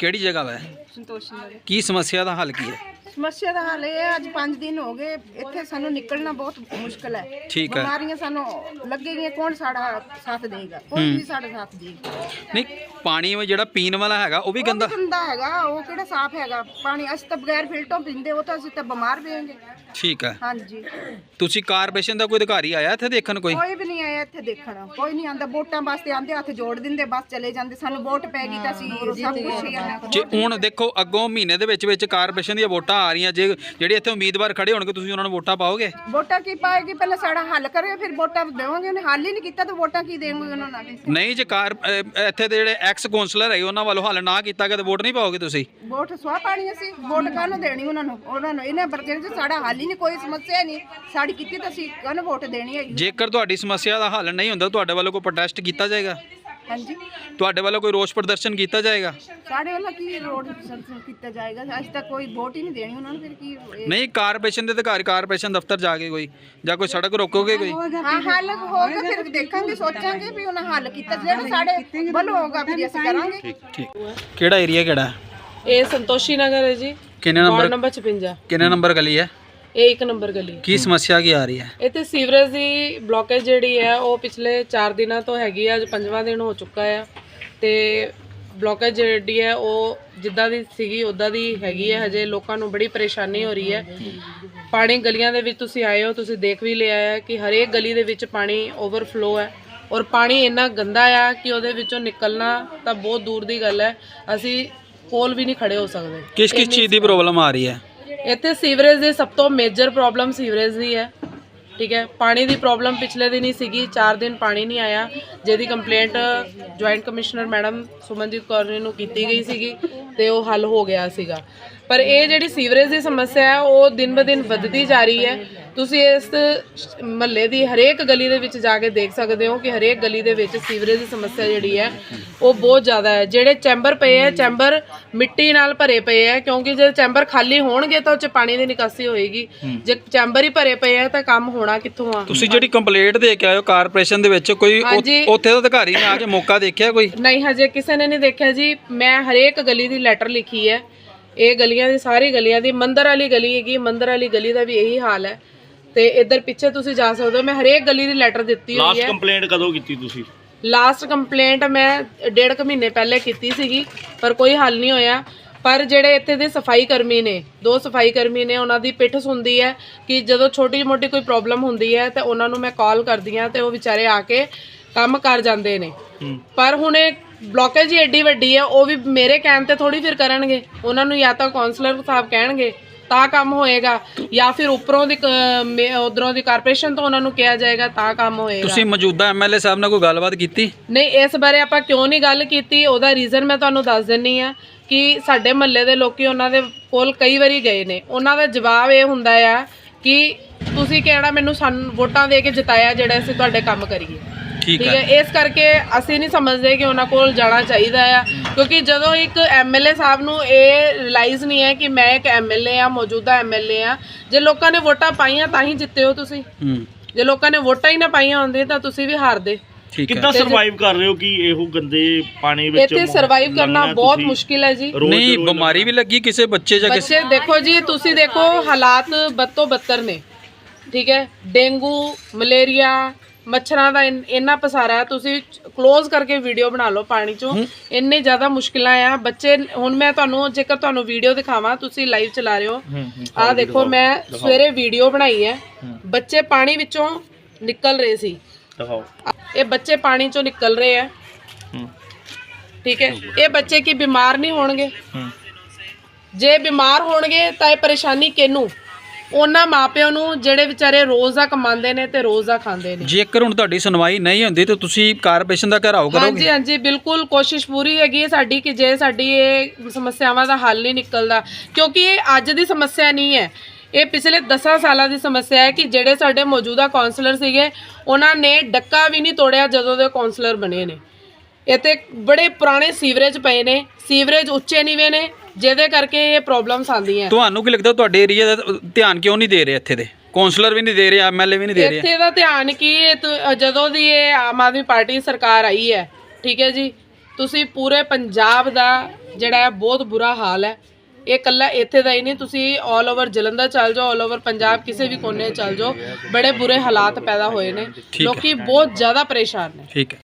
ਕਿਹੜੀ ਜਗ੍ਹਾ ਵਾ? ਸੰਤੋਸ਼ੀ ਨਗਰ। ਕੀ ਸਮੱਸਿਆ ਦਾ ਹੱਲ ਕੀ ਹੈ? ਸਮੱਸਿਆ ਦਾ ਹੱਲ ਇਹ ਹੈ, ਅੱਜ 5 ਦਿਨ ਹੋ ਗਏ ਇੱਥੇ ਸਾਨੂੰ ਨਿਕਲਣਾ ਬਹੁਤ ਮੁਸ਼ਕਲ ਹੈ। ਠੀਕ ਹੈ। ਬਿਮਾਰੀਆਂ ਸਾਨੂੰ ਲੱਗੇਗੀਆਂ, ਕੌਣ ਸਾਡਾ ਸਾਥ ਦੇਗਾ? ਕੋਈ ਨਹੀਂ ਸਾਡਾ ਸਾਥ ਦੇਗਾ। ਨਹੀਂ, ਪਾਣੀ ਜਿਹੜਾ ਪੀਣ ਵਾਲਾ ਹੈਗਾ ਉਹ ਵੀ ਗੰਦਾ ਹੈਗਾ, ਉਹ ਕਿਹੜਾ ਸਾਫ਼ ਹੈਗਾ ਪਾਣੀ? ਅਸੀਂ ਤਾਂ ਬਗੈਰ ਫਿਲਟਰੋਂ ਪੀਂਦੇ, ਉਹ ਤਾਂ ਅਸੀਂ ਤਾਂ ਬਿਮਾਰ ਪਏਂਗੇ। ਠੀਕ ਹੈ। ਹਾਂਜੀ। ਤੁਸੀਂ ਕਾਰਪੋਰੇਸ਼ਨ ਦਾ ਕੋਈ ਅਧਿਕਾਰੀ ਆਇਆ ਇੱਥੇ ਦੇਖਣ? ਕੋਈ ਵੀ ਨਹੀਂ ਆਇਆ ਇੱਥੇ ਦੇਖਣ, ਕੋਈ ਨਹੀਂ ਆਂਦਾ। ਵੋਟਾਂ ਵਾਸਤੇ ਆਂਦੇ, ਹੱਥ ਜੋੜ ਦਿੰਦੇ, ਬਸ ਚਲੇ ਜਾਂਦੇ। ਸਾਨੂੰ ਵੋਟ ਪੈ ਗਈ ਤਾਂ ਅਸੀਂ ਸਭ ਕੁਝ ਹੀ ਆ। ਜੇ ਹੁਣ ਦੇਖੋ ਅੱਗੋਂ ਮਹੀਨੇ ਦੇ ਵਿੱਚ ਕਾਰਪੋਰੇਸ਼ਨ ਦੀਆਂ ਵੋਟਾਂ ਆ ਰਹੀਆਂ, ਜੇ ਜਿਹੜੇ ਇੱਥੇ ਉਮੀਦਵਾਰ ਖੜੇ ਹੋਣਗੇ ਤੁਸੀਂ ਉਹਨਾਂ ਨੂੰ ਵੋਟਾਂ ਪਾਓਗੇ? ਵੋਟਾਂ ਕੀ ਪਾਏਗੀ? ਪਹਿਲਾਂ ਸਾਡਾ ਹੱਲ ਕਰੇ, ਫਿਰ ਵੋਟਾਂ ਦੇਵਾਂਗੇ। ਉਹਨੇ ਹੱਲ ਹੀ ਨਹੀਂ ਕੀਤਾ ਤਾਂ ਵੋਟਾਂ ਕੀ ਦੇਵਾਂਗੇ ਉਹਨਾਂ ਨਾਲ? ਨਹੀਂ, ਜੇ ਇੱਥੇ ਦੇ ਜਿਹੜੇ ਐਕਸ ਕੌਂਸਲਰ ਹੈਗੇ ਉਹਨਾਂ ਵੱਲੋਂ ਹੱਲ ਨਾ ਕੀਤਾ ਗਿਆ ਤਾਂ ਵੋਟ ਨਹੀਂ ਪਾਓਗੇ ਤੁਸੀਂ? ਵੋਟ ਸਵਾਹ ਪਾਣੀ ਅਸੀਂ, ਵੋਟ ਕਾਹਨੂੰ ਦੇਣੀ ਉਹਨਾਂ ਨੂੰ? ਇਹਨਾਂ ਬਰਕਰ ਚ ਸਾਡਾ ਹੱਲ ਹੀ ਨਹੀਂ, ਕੋਈ ਸਮੱਸਿਆ ਨਹੀਂ ਸਾਡੀ ਕੀਤੀ ਤਾਂ ਅਸੀਂ ਕਾਹਨੂੰ ਵੋਟ ਦੇਣੀ ਹੈ? ਜੇਕਰ ਤੁਹਾਡੀ ਸਮੱਸਿਆ ਦਾ ਹੱਲ ਨਹੀਂ ਹੁੰਦਾ ਤੁਹਾਡੇ ਵੱਲੋਂ ਕੋਈ ਪ੍ਰੋਟੈਸਟ ਕੀਤਾ ਜਾਏਗਾ? ਹਾਂਜੀ। ਤੁਹਾਡੇ ਵੱਲੋਂ ਕੋਈ ਰੋਸ ਪ੍ਰਦਰਸ਼ਨ ਕੀਤਾ ਜਾਏਗਾ? ਸਾਡੇ ਵੱਲੋਂ ਕੀ ਰੋਡ ਕੀਤਾ ਜਾਏਗਾ? ਅੱਜ ਤੱਕ ਕੋਈ ਵੋਟ ਹੀ ਨਹੀਂ ਦੇਣੀ ਉਹਨਾਂ ਨੂੰ, ਫਿਰ ਕੀ? ਨਹੀਂ, ਕਾਰਪੋਰੇਸ਼ਨ ਦੇ ਅਧਿਕਾਰੀ ਕਾਰਪੋਰੇਸ਼ਨ ਦਫ਼ਤਰ ਜਾ ਕੇ ਕੋਈ ਜਾਂ ਕੋਈ ਸੜਕ ਰੋਕੋਗੇ ਕੋਈ? ਹਾਂ, ਹੱਲ ਹੋਗਾ, ਫਿਰ ਦੇਖਾਂਗੇ, ਸੋਚਾਂਗੇ ਵੀ ਉਹਨਾਂ ਹੱਲ ਕੀਤਾ। ਜਿਹੜਾ ਸਾਡੇ ਵੱਲੋਂ ਹੋਗਾ ਫਿਰ ਅਸੀਂ ਕਰਾਂਗੇ। ਠੀਕ। ਕਿਹੜਾ ਏਰੀਆ ਕਿਹੜਾ? ਇਹ ਸੰਤੋਸ਼ੀ ਨਗਰ ਹੈ ਜੀ। ਕਿੰਨੇ ਵਾਰਡ ਨੰਬਰ? ਨੰਬਰ 56। ਕਿੰਨੇ ਨੰਬਰ ਗਲੀ ਹੈ? ਇਹ 1 ਨੰਬਰ ਗਲੀ। ਕੀ ਸਮੱਸਿਆ ਕੀ ਆ ਰਹੀ ਹੈ? ਇੱਥੇ ਸੀਵਰੇਜ ਦੀ ਬਲੋਕੇਜ ਜਿਹੜੀ ਹੈ ਉਹ ਪਿਛਲੇ 4 ਦਿਨਾਂ ਤੋਂ ਹੈਗੀ ਆ। ਅੱਜ 5ਵਾਂ ਦਿਨ ਹੋ ਚੁੱਕਾ ਆ ਤੇ ਬਲੋਕੇਜ ਜਿਹੜੀ ਹੈ ਉਹ ਜਿੱਦਾਂ ਦੀ ਸੀਗੀ ਉੱਦਾਂ ਦੀ ਹੈਗੀ ਹੈ। ਹਜੇ ਲੋਕਾਂ ਨੂੰ ਬੜੀ ਪਰੇਸ਼ਾਨੀ ਹੋ ਰਹੀ ਹੈ। ਪਾਣੀ ਗਲੀਆਂ ਦੇ ਵਿੱਚ ਤੁਸੀਂ ਆਏ ਹੋ, ਤੁਸੀਂ ਦੇਖ ਵੀ ਲਿਆ ਹੈ ਕਿ ਹਰੇਕ ਗਲੀ ਦੇ ਵਿੱਚ ਪਾਣੀ ਓਵਰਫਲੋ ਹੈ ਔਰ ਪਾਣੀ ਇੰਨਾ ਗੰਦਾ ਆ ਕਿ ਉਹਦੇ ਵਿੱਚੋਂ ਨਿਕਲਣਾ ਤਾਂ ਬਹੁਤ ਦੂਰ ਦੀ ਗੱਲ ਹੈ। ਅਸੀਂ ਕੋਲ ਵੀ ਨਹੀਂ ਖੜੇ ਹੋ ਸਕਦੇ। ਕਿਸ ਚੀਜ਼ ਦੀ ਪ੍ਰੋਬਲਮ ਆ ਰਹੀ ਹੈ ਇੱਥੇ? ਸੀਵਰੇਜ ਦੀ ਸਭ ਤੋਂ ਮੇਜਰ ਪ੍ਰੋਬਲਮ ਸੀਵਰੇਜ ਦੀ ਹੈ। ਠੀਕ ਹੈ। ਪਾਣੀ ਦੀ ਪ੍ਰੋਬਲਮ ਪਿਛਲੇ ਦਿਨ ਹੀ ਸੀਗੀ, 4 ਦਿਨ ਪਾਣੀ ਨਹੀਂ ਆਇਆ, ਜਿਹਦੀ complaint joint commissioner madam Sumanjit Kaur ਨੂੰ ਕੀਤੀ ਗਈ ਸੀਗੀ ਤੇ ਉਹ ਹੱਲ ਹੋ ਗਿਆ ਸੀਗਾ। ਪਰ ਇਹ ਜਿਹੜੀ ਸੀਵਰੇਜ ਦੀ ਸਮੱਸਿਆ ਹੈ ਉਹ ਦਿਨ ਬ ਦਿਨ ਵੱਧਦੀ ਜਾ ਰਹੀ ਹੈ। ਤੁਸੀਂ ਇਸ ਮਹੱਲੇ ਦੀ ਹਰੇਕ ਗਲੀ ਦੇ ਵਿੱਚ ਜਾ ਕੇ ਦੇਖ ਸਕਦੇ ਹੋ ਕਿ ਹਰੇਕ ਗਲੀ ਦੇ ਵਿੱਚ ਸੀਵਰੇਜ ਦੀ ਸਮੱਸਿਆ ਜਿਹੜੀ ਹੈ ਉਹ ਬਹੁਤ ਜ਼ਿਆਦਾ ਹੈ। ਜਿਹੜੇ ਚੈਂਬਰ ਪਏ ਹੈ, ਚੈਂਬਰ ਮਿੱਟੀ ਨਾਲ ਭਰੇ ਪਏ ਹੈ, ਕਿਉਂਕਿ ਜੇ ਚੈਂਬਰ ਖਾਲੀ ਹੋਣਗੇ ਤਾਂ ਉਹ 'ਚ ਪਾਣੀ ਦੀ ਨਿਕਾਸੀ ਹੋਏਗੀ। ਜੇ ਚੈਂਬਰ ਹੀ ਭਰੇ ਪਏ ਹੈ ਤਾਂ ਕੰਮ ਹੋਣਾ ਕਿੱਥੋਂ ਆ? ਤੁਸੀਂ ਜਿਹੜੀ ਕੰਪਲੇਂਟ ਦੇ ਕੇ ਆਏ ਹੋ ਕਾਰਪੋਰੇਸ਼ਨ ਦੇ ਵਿੱਚ, ਕੋਈ ਉੱਥੇ ਦਾ ਅਧਿਕਾਰੀ ਨੇ ਆ ਕੇ ਮੌਕਾ ਦੇਖਿਆ ਕੋਈ? ਨਹੀਂ, ਹਜੇ ਕਿਸੇ ਨੇ ਨਹੀਂ ਦੇਖਿਆ ਜੀ। ਮੈਂ ਹਰੇਕ ਗਲੀ ਦੀ ਲੈਟਰ ਲਿਖੀ ਹੈ। ਇਹ ਗਲੀਆਂ ਦੀ, ਸਾਰੀ ਗਲੀਆਂ ਦੀ, ਮੰਦਰ ਵਾਲੀ ਗਲੀ ਹੈਗੀ, ਮੰਦਰ ਵਾਲੀ ਗਲੀ ਦਾ ਵੀ ਇਹੀ ਹਾਲ ਹੈ ਤੇ ਇੱਧਰ ਪਿੱਛੇ ਤੁਸੀਂ ਜਾ ਸਕਦੇ ਹੋ। ਮੈਂ ਹਰੇਕ ਗਲੀ ਦੀ ਲੈਟਰ ਦਿੱਤੀ ਹੋਈ ਹੈ। ਲਾਸਟ ਕੰਪਲੇਂਟ ਕਦੋਂ ਕੀਤੀ ਤੁਸੀਂ? ਲਾਸਟ ਕੰਪਲੇਂਟ ਮੈਂ 1.5 ਮਹੀਨੇ ਪਹਿਲੇ ਕੀਤੀ ਸੀਗੀ ਪਰ ਕੋਈ ਹੱਲ ਨਹੀਂ ਹੋਇਆ। ਪਰ ਜਿਹੜੇ ਇੱਥੇ ਦੇ ਸਫਾਈ ਕਰਮੀ ਨੇ, 2 ਸਫਾਈ ਕਰਮੀ ਨੇ, ਉਹਨਾਂ ਦੀ ਪਿੱਠ ਸੁਣਦੀ ਹੈ ਕਿ ਜਦੋਂ ਛੋਟੀ ਮੋਟੀ ਕੋਈ ਪ੍ਰੋਬਲਮ ਹੁੰਦੀ ਹੈ ਤਾਂ ਉਹਨਾਂ ਨੂੰ ਮੈਂ ਕਾਲ ਕਰਦੀ ਹਾਂ ਤੇ ਉਹ ਵਿਚਾਰੇ ਆ ਕੇ ਕੰਮ ਕਰ ਜਾਂਦੇ ਨੇ। ਪਰ ਹੁਣ ਇਹ ਬਲੋਕੇਜ ਹੀ ਐਡੀ ਵੱਡੀ ਹੈ, ਉਹ ਵੀ ਮੇਰੇ ਕਹਿਣ ਤੇ ਥੋੜੀ ਫਿਰ ਕਰਨਗੇ। ਉਹਨਾਂ ਨੂੰ ਜਾਂ ਤਾਂ ਕਾਉਂਸਲਰ ਸਾਹਿਬ ਕਹਿਣਗੇ ਤਾਂ ਕੰਮ ਹੋਏਗਾ ਜਾਂ ਫਿਰ ਉੱਪਰੋਂ ਦੀ ਉਧਰੋਂ ਦੀ ਕਾਰਪੋਰੇਸ਼ਨ ਤੋਂ ਉਹਨਾਂ ਨੂੰ ਕਿਹਾ ਜਾਏਗਾ ਤਾਂ ਕੰਮ ਹੋਏਗਾ। ਤੁਸੀਂ ਮੌਜੂਦਾ ਐਮਐਲਏ ਸਾਹਿਬ ਨਾਲ ਕੋਈ ਗੱਲਬਾਤ ਕੀਤੀ? ਨਹੀਂ, ਇਸ ਬਾਰੇ ਆਪਾਂ ਕਿਉਂ ਨਹੀਂ ਗੱਲ ਕੀਤੀ, ਉਹਦਾ ਰੀਜ਼ਨ ਮੈਂ ਤੁਹਾਨੂੰ ਦੱਸ ਦਿੰਨੀ ਆ ਕਿ ਸਾਡੇ ਮਹੱਲੇ ਦੇ ਲੋਕੀ ਉਹਨਾਂ ਦੇ ਕੋਲ ਕਈ ਵਾਰੀ ਗਏ ਨੇ। ਉਹਨਾਂ ਦਾ ਜਵਾਬ ਇਹ ਹੁੰਦਾ ਆ ਕਿ ਤੁਸੀਂ ਕਿਹੜਾ ਮੈਨੂੰ ਸਾਨੂੰ ਵੋਟਾਂ ਦੇ ਕੇ ਜਿਤਾਇਆ ਜਿਹੜਾ ਅਸੀਂ ਤੁਹਾਡੇ ਕੰਮ ਕਰੀਏ। ਠੀਕ ਹੈ। ਇਸ ਕਰਕੇ ਅਸੀਂ ਨਹੀਂ ਸਮਝਦੇ ਕਿ ਉਹਨਾਂ ਕੋਲ ਜਾਣਾ ਚਾਹੀਦਾ ਆ, ਕਿਉਂਕਿ ਜਦੋਂ ਇੱਕ ਐਮਐਲਏ ਸਾਹਿਬ ਨੂੰ ਇਹ ਰਿਅਲਾਈਜ਼ ਨਹੀਂ ਹੈ ਕਿ ਮੈਂ ਇੱਕ ਐਮਐਲਏ ਆ, ਮੌਜੂਦਾ ਐਮਐਲਏ ਆ। ਜੇ ਲੋਕਾਂ ਨੇ ਵੋਟਾਂ ਪਾਈਆਂ ਤਾਂ ਹੀ ਜਿੱਤੇ ਹੋ ਤੁਸੀਂ। ਜੇ ਲੋਕਾਂ ਨੇ ਵੋਟਾਂ ਹੀ ਨਾ ਪਾਈਆਂ ਹੁੰਦੀਆਂ ਤਾਂ ਤੁਸੀਂ ਵੀ ਹਾਰਦੇ। ਕਿੱਦਾਂ ਸਰਵਾਈਵ ਕਰ ਰਹੇ ਹੋ ਕਿ ਇਹੋ ਗੰਦੇ ਪਾਣੀ ਵਿੱਚ? ਇੱਥੇ ਸਰਵਾਈਵ ਕਰਨਾ ਬਹੁਤ ਮੁਸ਼ਕਿਲ ਹੈ ਜੀ। ਨਹੀਂ, ਬਿਮਾਰੀ ਵੀ ਲੱਗੀ ਕਿਸੇ ਬੱਚੇ ਜਾਂ ਬੱਚੇ ਦੇਖੋ ਜੀ, ਤੁਸੀਂ ਦੇਖੋ ਹਾਲਾਤ ਬੱਤੋਂ ਬੱਤਰ ਨੇ। ਠੀਕ ਹੈ। ਡੇਂਗੂ, ਮਲੇਰੀਆ, ਮੱਛਰਾਂ ਦਾ ਇੰਨਾ ਪਸਾਰਾ ਹੈ। ਤੁਸੀਂ ਕਲੋਜ਼ ਕਰਕੇ ਵੀਡੀਓ ਬਣਾ ਲਓ ਪਾਣੀ ਚੋਂ, ਇੰਨੇ ਜ਼ਿਆਦਾ ਮੁਸ਼ਕਿਲਾਂ ਆ। ਬੱਚੇ, ਹੁਣ ਮੈਂ ਤੁਹਾਨੂੰ ਜੇਕਰ ਤੁਹਾਨੂੰ ਵੀਡੀਓ ਦਿਖਾਵਾਂ, ਤੁਸੀਂ ਲਾਈਵ ਚਲਾ ਰਹੇ ਹੋ, ਆਹ ਦੇਖੋ ਮੈਂ ਸਵੇਰੇ ਵੀਡੀਓ ਬਣਾਈ ਹੈ। ਬੱਚੇ ਪਾਣੀ ਵਿੱਚੋਂ ਨਿਕਲ ਰਹੇ ਸੀ, ਇਹ ਬੱਚੇ ਪਾਣੀ ਚੋਂ ਨਿਕਲ ਰਹੇ ਆ। ਠੀਕ ਹੈ। ਇਹ ਬੱਚੇ ਕੀ ਬਿਮਾਰ ਨਹੀਂ ਹੋਣਗੇ? ਜੇ ਬਿਮਾਰ ਹੋਣਗੇ ਤਾਂ ਇਹ ਪਰੇਸ਼ਾਨੀ ਕਿਹਨੂੰ? ਉਹਨਾਂ ਮਾਪਿਆਂ ਨੂੰ ਜਿਹੜੇ ਵਿਚਾਰੇ ਰੋਜ਼ ਦਾ ਕਮਾਉਂਦੇ ਨੇ ਤੇ ਰੋਜ਼ ਦਾ ਖਾਂਦੇ ਨੇ। ਜੇਕਰ ਹੁਣ ਤੁਹਾਡੀ ਸੁਣਵਾਈ ਨਹੀਂ ਹੁੰਦੀ ਤਾਂ ਤੁਸੀਂ ਕਾਰਪੋਰੇਸ਼ਨ ਦਾ ਘਿਰਾਓ ਕਰੋਗੇ? ਹਾਂਜੀ ਹਾਂਜੀ, ਬਿਲਕੁਲ ਕੋਸ਼ਿਸ਼ ਪੂਰੀ ਹੈਗੀ ਹੈ ਸਾਡੀ ਕਿ ਜੇ ਸਾਡੀ ਇਹ ਸਮੱਸਿਆਵਾਂ ਦਾ ਹੱਲ ਨਹੀਂ ਨਿਕਲਦਾ, ਕਿਉਂਕਿ ਇਹ ਅੱਜ ਦੀ ਸਮੱਸਿਆ ਨਹੀਂ ਹੈ, ਇਹ ਪਿਛਲੇ 10 ਸਾਲਾਂ ਦੀ ਸਮੱਸਿਆ ਹੈ ਕਿ ਜਿਹੜੇ ਸਾਡੇ ਮੌਜੂਦਾ ਕਾਉਂਸਲਰ ਸੀਗੇ ਉਹਨਾਂ ਨੇ ਡੱਕਾ ਵੀ ਨਹੀਂ ਤੋੜਿਆ ਜਦੋਂ ਦੇ ਕਾਉਂਸਲਰ ਬਣੇ ਨੇ। ਇੱਥੇ ਬੜੇ ਪੁਰਾਣੇ ਸੀਵਰੇਜ ਪਏ ਨੇ, ਸੀਵਰੇਜ ਉੱਚੇ ਨੀਵੇਂ ਨੇ, ਜਿਹਦੇ ਕਰਕੇ ਇਹ ਪ੍ਰੋਬਲਮਸ ਆਉਂਦੀਆਂ। ਤੁਹਾਨੂੰ ਕੀ ਲੱਗਦਾ ਤੁਹਾਡੇ ਏਰੀਆ ਦਾ ਧਿਆਨ ਕਿਉਂ ਨਹੀਂ ਦੇ ਰਹੇ? ਇੱਥੇ ਦੇ ਕਾਉਂਸਲਰ ਵੀ ਨਹੀਂ ਦੇ ਰਹੇ, ਐਮਐਲਏ ਵੀ ਨਹੀਂ ਦੇ ਰਹੇ। ਇੱਥੇ ਦਾ ਧਿਆਨ ਕੀ, ਜਦੋਂ ਦੀ ਇਹ ਆਮ ਆਦਮੀ ਪਾਰਟੀ ਸਰਕਾਰ ਆਈ ਹੈ, ਠੀਕ ਹੈ ਜੀ, ਤੁਸੀਂ ਪੂਰੇ ਪੰਜਾਬ ਦਾ ਜਿਹੜਾ ਹੈ ਬਹੁਤ ਬੁਰਾ ਹਾਲ ਹੈ। ਇਹ ਇਕੱਲਾ ਇੱਥੇ ਦਾ ਹੀ ਨਹੀਂ, ਤੁਸੀਂ ਆਲ ਓਵਰ ਜਲੰਧਰ ਚੱਲ ਜਾਓ, ਆਲ ਓਵਰ ਪੰਜਾਬ ਕਿਸੇ ਵੀ ਕੋਨੇ ਚੱਲ ਜਾਓ, ਬੜੇ ਬੁਰੇ ਹਾਲਾਤ ਪੈਦਾ ਹੋਏ ਨੇ, ਲੋਕੀ ਬਹੁਤ ਜ਼ਿਆਦਾ ਪਰੇਸ਼ਾਨ ਨੇ। ਠੀਕ ਹੈ।